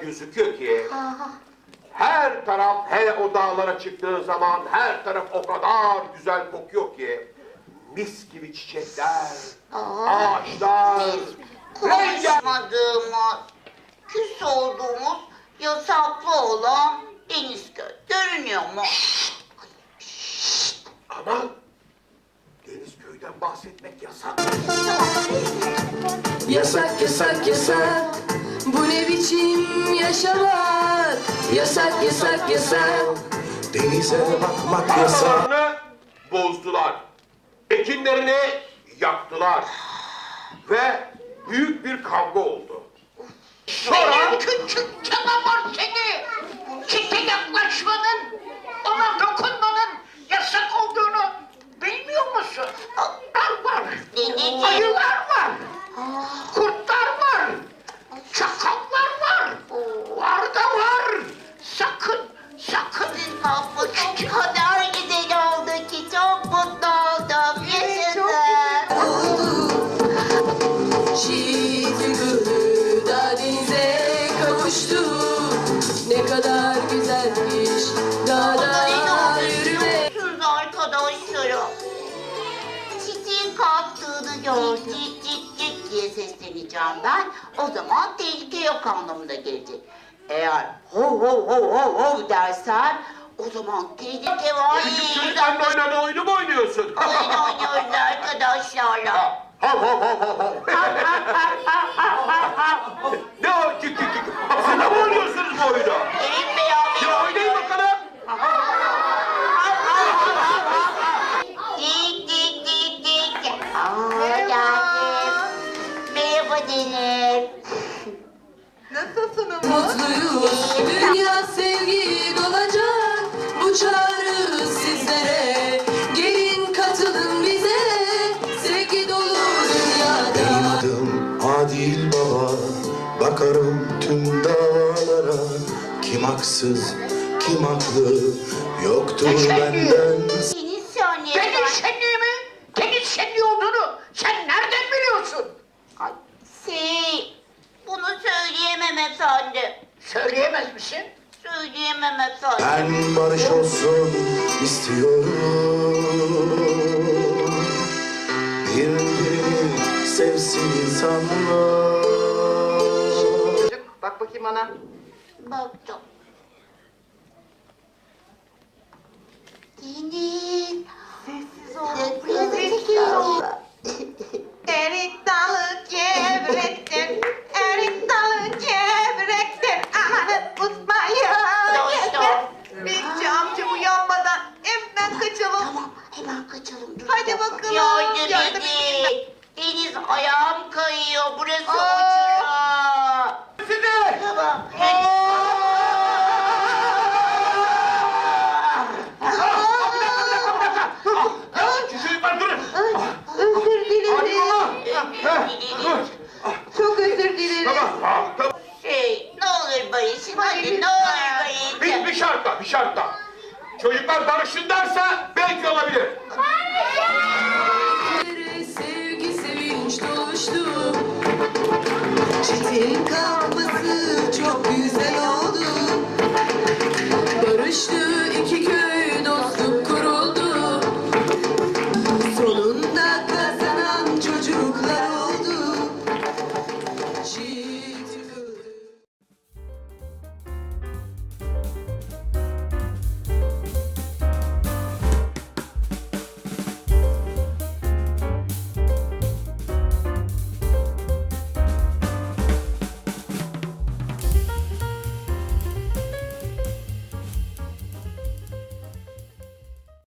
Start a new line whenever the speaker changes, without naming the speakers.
gözüküyor ki her taraf, hele o dağlara çıktığı zaman her taraf o kadar güzel kokuyor ki mis gibi çiçekler, ağaçlar,
Konuşmadığımız, küs olduğumuz yasaklı olan Denizköy görünüyor mu?
Aman Denizköy'den bahsetmek yasak.
Yasak yasak yasak, bu ne biçim yaşamak? Yasak yasak yasak,
Denize bakmak yasak.
Tarlalarını bozdular. Ekinlerini yaktılar. Ve büyük bir kavga oldu. Sonra
Küçük canavar seni! Çite yaklaşmanın, ona dokunmanın yasak olduğunu bilmiyor musun? Kurtlar var, ayılar var, kurtlar var, çakallar var, var da var. Sakın, sakın. Abla çok kadar güzel oldu ki çok mutlu oldum. Yaşasın.
şiitin gülü da denize kavuştu. Ne kadar güzelmiş dağda yürümek.
Siz arkadaşlarım, çiçeğin kalktığını gördük, cik cik diye sesleneceğim ben. O zaman tehlike yok anlamına gelecek. Eğer hov hov hov hov hov dersen, o zaman tehlike var.
küçük çocuklarla oynadığı oyunu mu oynuyorsun?
Oyun oynuyoruz arkadaşlarla.
Hav hav hav hav hav. Ne o cik cik cik? Siz de mi oynuyorsunuz bu oyunu?
Evet beraber
Ya oynayın bakalım.
Dik dik dik dik. Aa, geldim. Merhaba Deniz.
Mutluyuz, dünya sevgi dolacak. Bu çağrı sizlere, gelin katılın bize. Sevgi dolu dünyada.
Benim adım Adil Baba. Bakarım tüm dağlara. Kim haksız, kim haklı, yoktur benden.
Deniz saniye.
Deniz şenliği mi? Deniz şenliği olduğunu sen nereden biliyorsun?
Ay, bunu söyleyemem efendim.
Söyleyemez misin?
Söyleyemem efendim.
Ben barış olsun istiyorum. Birbirini sevsin insanlar.
Çocuk bak bakayım bana.
Baktım. Deniz. Sessiz ol. Biraz çekiyorum.
Erik dalı gevrektir, erik dalı gevrektir. Amanın tutmayın.
Dostum.
Bekçi amca uyanmadan hemen kaçalım.
Tamam, hemen kaçalım. Dur
Hadi
bir dakika.
bakalım.
Yardım
Yardım
edin. Deniz ayağım kayıyor. Burası
Aa.
uçurum.
Size!
Tamam.
Çocuklar durun.
Özür dilerim.
Hadi baba.
Çok özür dilerim.
Tamam. Tamam.
Ne olur barışın. Hadi ne olur barışın.
Bir şartla, bir şartla. Çocuklar barışın derse belki olabilir.
Sevgi sevinç doluştu. Çitin kalktı.